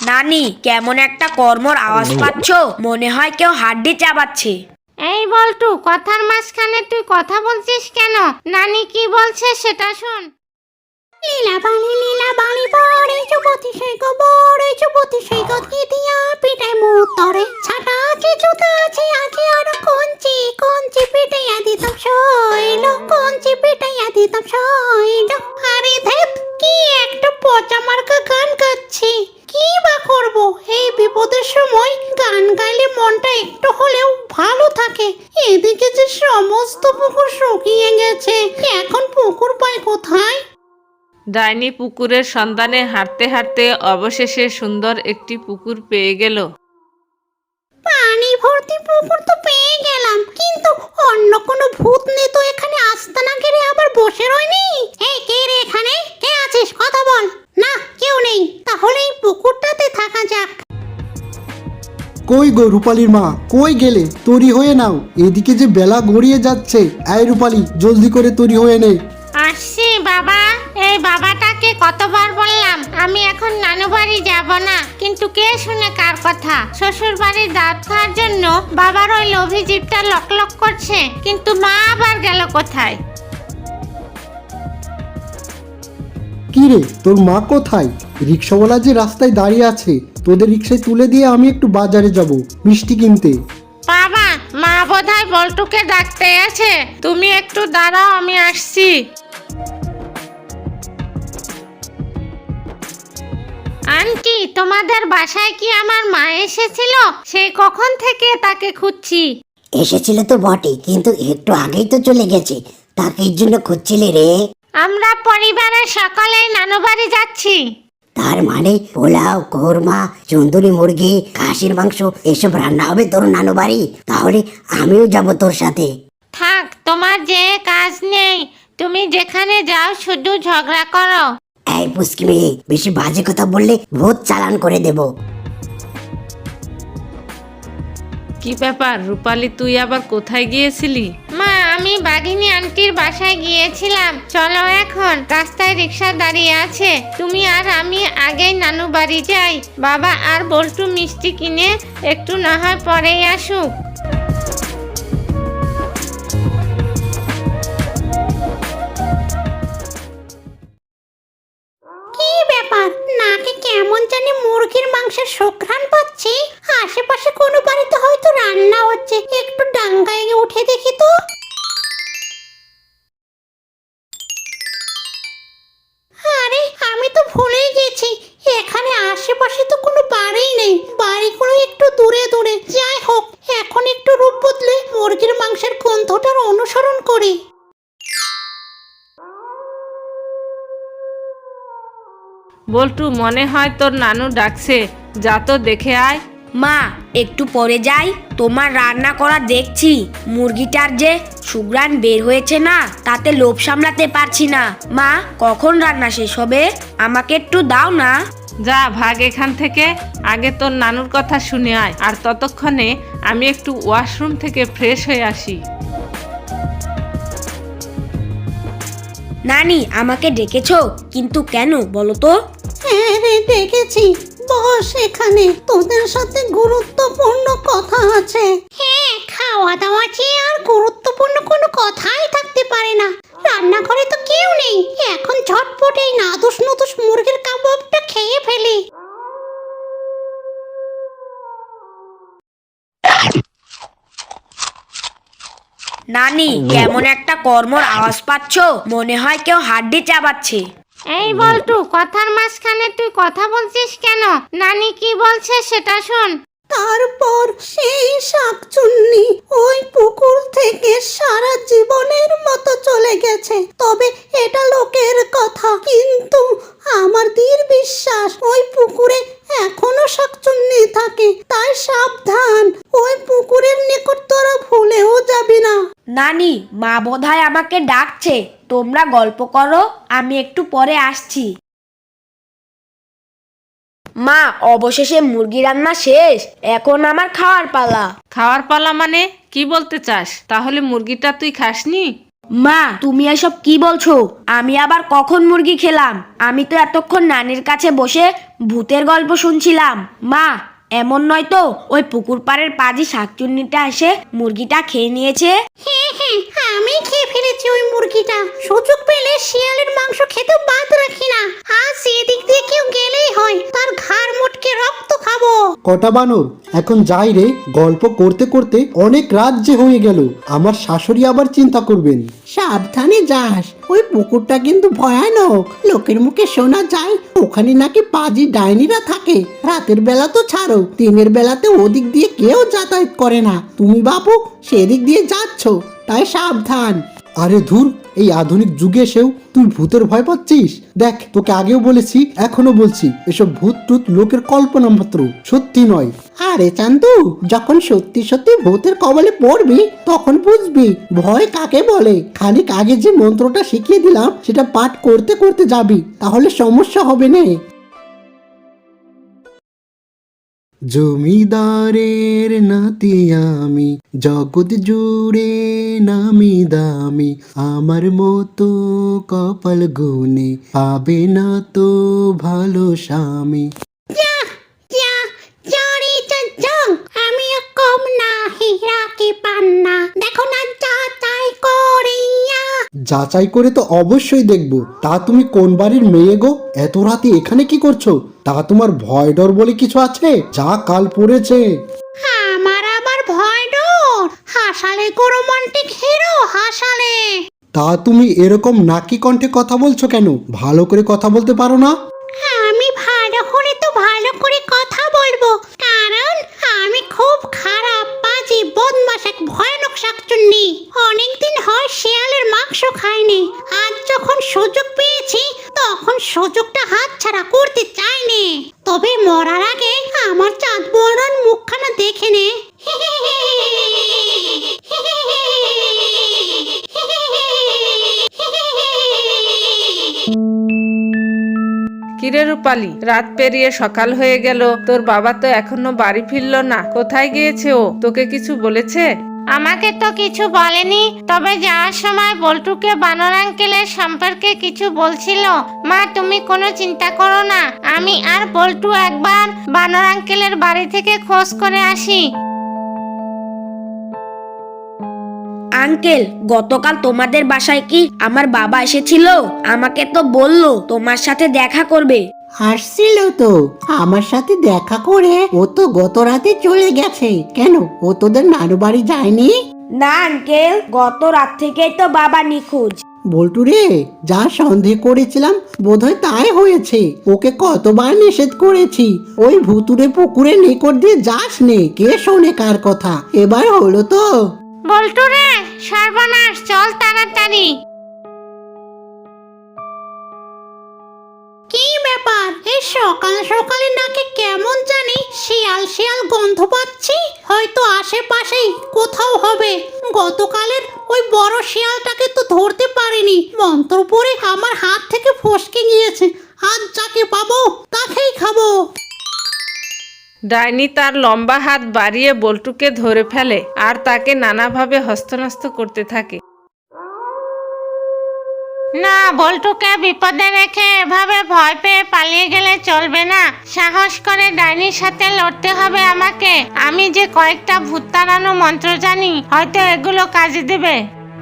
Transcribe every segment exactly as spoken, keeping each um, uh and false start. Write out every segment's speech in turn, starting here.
নানি, কেমন একটা কর্মর আওয়াজ পাচ্ছ? মনে হয় কেউ হাড্ডি চাবাচ্ছে। এই বল্টু, কথার মাঝখানে তুই কথা বলছিস কেন? নানি কি বলছে সেটা শোন। লীলা বালি লীলা বালি বড়ে যুবতী সেই গো বড়ে যুবতী সেই গো দিয়া পিটাই মুতরে ছাটা আছে জুতা আছে আছে আর কঞ্চি কঞ্চি পিটাইয়া দিতাম শৈল কঞ্চি পিটাইয়া দিতাম শৈল। আরে ধ্যাত, কি একটা পচা মার্কা গান গাচ্ছি। কি বা করব, এই বিপদের সময় গান গাইলে মনটা একটু হলেও ভালো থাকে। এদিকে যে সমস্ত পুকুর শুকিয়ে গেছে, এখন পুকুর পাই কোথায়? ডাইনি পুকুরের সন্ধানে হাঁটতে হাঁটতে অবশেষে সুন্দর একটি পুকুর পেয়ে গেল। পানি ভর্তি পুকুর তো পেয়ে গেলাম, কিন্তু অন্য কোনো ভূত নেই তো এখানে আস্তানা ঘিরে আবার বসে রয়নি? এই কে রে এখানে? কে আছিস? কথা বল। না, কেউ নেই, তাহলে এই পুকুরটাতে থাকা যাক। কই গো রূপালীর মা, কই গেলে? তৈরি হয়ে নাও, এদিকে যে বেলা গড়িয়ে যাচ্ছে। এই রূপালী, জলদি করে তৈরি হয়ে নে। আসছি বাবা। এই বাবাটাকে কতবার বললাম আমি এখন নানু বাড়ি যাব না, কিন্তু কে শুনে কার কথা? শ্বশুর বাড়ির দাঁত খাওয়ার জন্য বাবার ওই লোভী জিভটা লক লক করছে, কিন্তু মা আবার গেল কোথায়? কি রে, তোর মা কোথায়? রিক্সাওয়ালা যে রাস্তায় দাঁড়িয়ে আছে, তোদের রিক্সায় তুলে দিয়ে আমি একটু বাজারে যাব মিষ্টি কিনতে। বাবা, মা বোধহয় বল্টুকে ডাকতে আছে, তুমি একটু দাঁড়াও, আমি আসছি। আন্টি, তোমাদের বাসায় কি আমার মা এসেছিল? সেই কখন থেকে তাকে খুঁজছি। এসেছিল তো বটে, কিন্তু একটু আগেই তো চলে গেছে। তাকে জন্য খুঁজছিলে রে? আমরা পরিবারের সকলেই নানু বাড়ি যাচ্ছি। তার মানে পোলাও, কোরমা, চন্দুরি মুরগি, খাসির মাংস এসব রান্না হবে তোর নানু বাড়ি? তাহলে আমিও যাব তোর সাথে। থাক, তোমার যে কাজ নেই, তুমি যেখানে যাও শুধু ঝগড়া করো। এই পুষ্কি মেয়ে, বেশি বাজে কথা বললে ভূত চালান করে দেব। কি ব্যাপার রূপালী, তুই আবার কোথায় গিয়েছিলি? মা, আমি বাঘিনী আন্টির বাসায় গিয়েছিলাম। চলো এখন, রাস্তায় রিক্সা দাঁড়িয়ে আছে, তুমি আর আমি আগেই নানু বাড়ি যাই। বাবা আর বল্টু মিষ্টি কিনে একটু না হয় পরেই আসুক। কি ব্যাপার, নাকে কেমন জানি মুরগির মাংসের সুঘ্রাণ পাচ্ছি। আশেপাশে কোনো বাড়িতে হয়তো রান্না হচ্ছে, একটু ডাঙ্গায় উঠে দেখি তো। আরে, আমি তো ভুলেই গেছি, এখানে আশেপাশে তো কোনো বাড়িই নেই। বাড়িগুলো একটু দূরে দূরে। যাই হোক, এখন একটু রূপ বদলে মুরগির মাংসের গন্ধটার অনুসরণ করি। বল্টু, মনে হয় তোর নানু ডাকছে, যা তো দেখে আয়। মা, একটু পরে যাই, তোমার রান্না করা দেখছি। মুরগিটার যে সুঘ্রাণ বের হয়েছে না, তাতে লোভ সামলাতে পারছি না। মা, কখন রান্না শেষ হবে? আমাকে একটু দাও না। যা ভাগ এখান থেকে, আগে তোর নানুর কথা শুনে আয়, আর ততক্ষণে আমি একটু ওয়াশরুম থেকে ফ্রেশ হয়ে আসি। নানি, আমাকে ডেকেছো, কিন্তু কেন বলো তো? হ্যাঁ রে, ডেকেছি। বস এখানে, তোদের সাথে গুরুত্বপূর্ণ কথা আছে। হ্যাঁ, খাওয়া দাওয়া চেয়ে আর গুরুত্বপূর্ণ কোনো কথাই থাকতে পারে না। রান্নাঘরে তো কেউ নেই, এখন ঝটপট এই নাদুস নুদুস মুরগির কাবাবটা খেয়ে ফেলি। নানি, কেমন একটা কর্মর আওয়াজ পাচ্ছ? মনে হয় কেউ হাড্ডি চাবাচ্ছে। এই বল্টু, কথার মাঝখানে তুই কথা বলছিস কেন? নানি কি বলছে সেটা শোন। তারপর সেই শাকচুন্নি ওই পুকুর থেকে সারা জীবনের মতো চলে গেছে। তবে এটা লোকের কথা, কিন্তু আমার দৃঢ় বিশ্বাস ওই পুকুরে এখনো শাকচুন্নি থাকে। তাই সাবধান, ওই পুকুরের নিকট তোরা ভুলেও যাবি না। নানি, মা বোধহয় আমাকে ডাকছে, তোমরা গল্প করো, আমি একটু পরে আসছি। মা, অবশেষে মুরগি রান্না শেষ, এখন আমার খাওয়ার পালা। খাওয়ার পালা মানে কি বলতে চাস? তাহলে মুরগিটা তুই খাসনি? মা তুমি এসব কি বলছো? আমি আবার কখন মুরগি খেলাম? আমি তো এতক্ষণ নানির কাছে বসে ভূতের গল্প শুনছিলাম। মা এমন নয় তো ওই পুকুর পাড়ের পাজি শাকচুন্নিটা এসে মুরগিটা খেয়ে নিয়েছে? হ্যাঁ হ্যাঁ আমি খেয়ে ফেলেছি ওই মুরগিটা। সুযোগ পেলে শিয়ালের মাংস খেতে বাদ রাখি না। আজ এদিক দিয়ে কেউ গেলেই হয় তার ঘাড় মোটকে রক্ত খাবো। কটা বানর, এখন যাই রে। গল্প করতে করতে অনেক রাত যে হয়ে গেল। আমার শাশুড়ি আবার চিন্তা করবেন। সাবধানে যাস, ওই পুকুরটা কিন্তু ভয়ানক। লোকের মুখে শোনা যায় ওখানে নাকি পাজি ডাইনিরা থাকে। রাতের বেলা তো ছাড়ো, দিনের বেলাতে ওদিক দিয়ে কেউ যাতায়াত করে না। তুমি বাপু সেদিক দিয়ে যাচ্ছ, তাই সাবধান। আরে ধুর, এই আধুনিক যুগে এসেও তুই ভূতের ভয় পাচ্ছিস? দেখ, তোকে আগেও বলেছি, এখনো বলছি, এসব ভূত টুত লোকের কল্পনা মাত্র, সত্যি নয়। আরে চান্দু, যখন সত্যি সত্যি ভূতের কবলে পড়বি তখন বুঝবি ভয় কাকে বলে। খানিক আগে যে মন্ত্রটা শিখিয়ে দিলাম সেটা পাঠ করতে করতে যাবি, তাহলে সমস্যা হবে না। জমিদারের নাতি আমি, জগৎ জুড়ে নামি দামি, আমার মতো কপাল গুনে পাবে না তো ভালো স্বামী। যা যা জারি চাচং আমি কম না হীরা কি পান্না, দেখো না যা চাই করিয়া। যাচাই করে তো অবশ্যই দেখবো। তা তুমি কোন বাড়ির মেয়ে গো? এত রাতে এখানে কি করছো? তা তোমার ভয় ডর বলে কিছু আছে? যা কাল পড়েছে। আমার আবার ভয় ডর? হাসালে গো রোমান্টিক হিরো হাসালে। তা তুমি এরকম নাকি কণ্ঠে কথা বলছো কেন? ভালো করে কথা বলতে পারো না? আমি ভালো করে তো ভালো করে কথা বলবো, কারণ আমি খুব খারাপ বাজি বদমাশ এক ভয়ানক শাকচুন্নি। অনেকদিন হয় শিয়ালের মাংস খাইনি। আজ যখন সুযোগ পেয়েছি তখন সুযোগটা হাতছাড়া করতে চাইনি। তবে মরার আগে আমার চাঁদ বড়ার মুখখানা দেখে নে। কিরে রূপালি, রাত পেরিয়ে সকাল হয়ে গেল, তোর বাবা তো এখনো বাড়ি ফিরলো না। কোথায় গিয়েছে ও? তোকে কিছু বলেছে? আমাকে তো কিছু বলেনি, তবে যাওয়ার সময় বল্টুকে বানর আঙ্কেলের সম্পর্কে কিছু বলছিল। মা তুমি কোনো চিন্তা করো না, আমি আর বল্টু একবার বানর আঙ্কেলের বাড়ি থেকে খোঁজ করে আসি। আঙ্কেল, গতকাল তোমাদের বাসায় কি আমার বাবা এসেছিল? আমাকে তো বললো তোমার সাথে দেখা করবে। আসছিল তো, আমার সাথে দেখা করে ও তো গত রাতে চলে গেছে। কেন, ও তোদের নানু বাড়ি যায়নি? না আঙ্কেল, গত রাত থেকেই তো বাবা নিখোঁজ। বল্টু রে, যা সন্দেহ করেছিলাম বোধহয় তাই হয়েছে। ওকে কতবার নিষেধ করেছি ওই ভুতুরে পুকুরের নিকট দিয়ে যাস নে, কে শোনে কার কথা। এবার হলো তো। বল্টু রে, সর্বনাশ, চল তাড়াতাড়ি। কি ব্যাপার, এই সকাল সকালে নাকি কেমন জানি শিয়াল শিয়াল গন্ধ পাচ্ছি। হয়তো আশেপাশেই কোথাও হবে। গতকালের ওই বড় শিয়ালটাকে তো ধরতে পারিনি, মন্ত্র পড়ে আমার হাত থেকে ফসকে গিয়েছে। আজ যাকে পাবো তাকেই খাবো। ডাইনি তার লম্বা হাত বাড়িয়ে বল্টুকে ধরে ফেলে আর তাকে নানাভাবে হস্তনস্ত করতে থাকে। না, বল্টুকে বিপদে রেখে এভাবে ভয় পেয়ে পালিয়ে গেলে চলবে না। সাহস করে ডাইনির সাথে লড়তে হবে আমাকে। আমি যে কয়েকটা ভূত তাড়ানো মন্ত্র জানি, হয়তো এগুলো কাজে দেবে।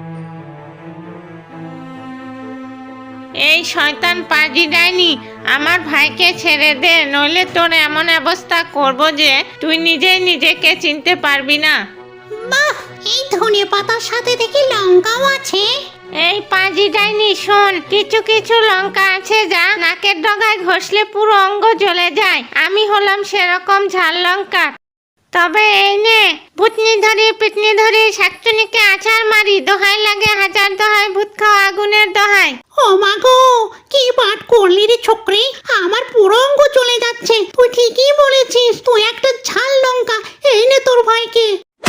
এই শয়তান পাজি ডাইনি, আমার ভাইকে ছেড়ে দে, নইলে তোর এমন অবস্থা করব যে তুই নিজেই নিজেকে চিনতে পারবি না। বাহ, এই ধনে পাতার সাথে দেখি লঙ্কাও আছে। এই পাজি ডাইনি শোন, কিছু কিছু লঙ্কা আছে যা নাকের ডগায় ঘষলে পুরো অঙ্গ জ্বলে যায়। আমি হলাম সেরকম ঝাল লঙ্কা। তবে এই নে, ভূতনি ধরি পিটনি ধরি শাকচুনিকে আছাড় মারি, দোহাই লাগে হাজার দোহাই, ভূত খাওয়া আগুনের দোহাই। ও মা গো, কি পাঠ করলি রে ছোকরি, আমার পুরো অঙ্গ চলে যাচ্ছে। তুই ঠিকই বলেছিস, তুই একটা ঝাল লঙ্কা। এই নে তোর ভাইকে।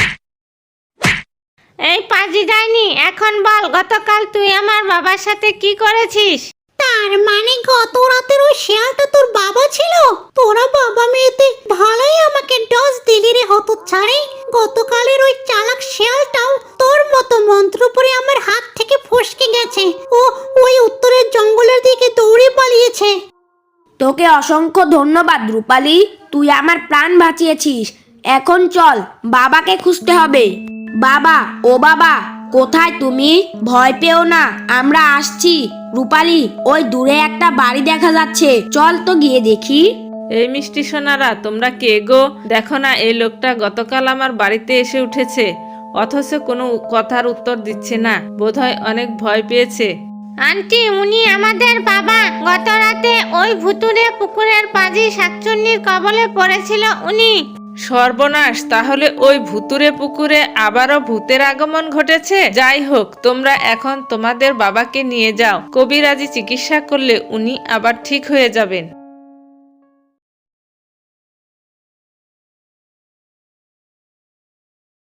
এই পাজি ডাইনি, এখন বল গতকাল তুই আমার বাবার সাথে কি করেছিস? তার মানে গত রাতের ওই শিয়ালটা তোর বাবা ছিল? তোরা বাবা মেয়েতে ভালোই আমাকে ডস দিলি রে হতচ্ছাড়ি। গতকালের ওই চালাক শিয়ালটাও তোর মতো মন্ত্র পড়ে আমার হাত থেকে ফসকে গেছে। ও ওই উত্তরের জঙ্গলের দিকে দৌড়ে পালিয়েছে। তোকে অসংখ্য ধন্যবাদ রূপালী, তুই আমার প্রাণ বাঁচিয়েছিস। এখন চল, বাবাকে খুঁজতে হবে। বাবা, ও বাবা, কোথায় তুমি? ভয় পেও না, আমরা আসছি। রূপালী, ওই দূরে একটা বাড়ি দেখা যাচ্ছে, চল তো গিয়ে দেখি। এই মিষ্টি সোনারা, তোমরা কে গো? দেখো না, এই লোকটা গতকাল আমার বাড়িতে এসে উঠেছে, অথচ কোনো কথার উত্তর দিচ্ছে না। বোধহয় অনেক ভয় পেয়েছে। আন্টি, উনি আমাদের বাবা। গত রাতে ওই ভুতুরে পুকুরের পাজি শাকচুন্নির কবলে পড়েছিল উনি। সর্বনাশ, তাহলে ওই ভুতুরে পুকুরে আবারও ভূতের আগমন ঘটেছে। যাই হোক, তোমরা এখন তোমাদের বাবাকে নিয়ে যাও, কবিরাজি চিকিৎসা করলে উনি আবার ঠিক হয়ে যাবেন।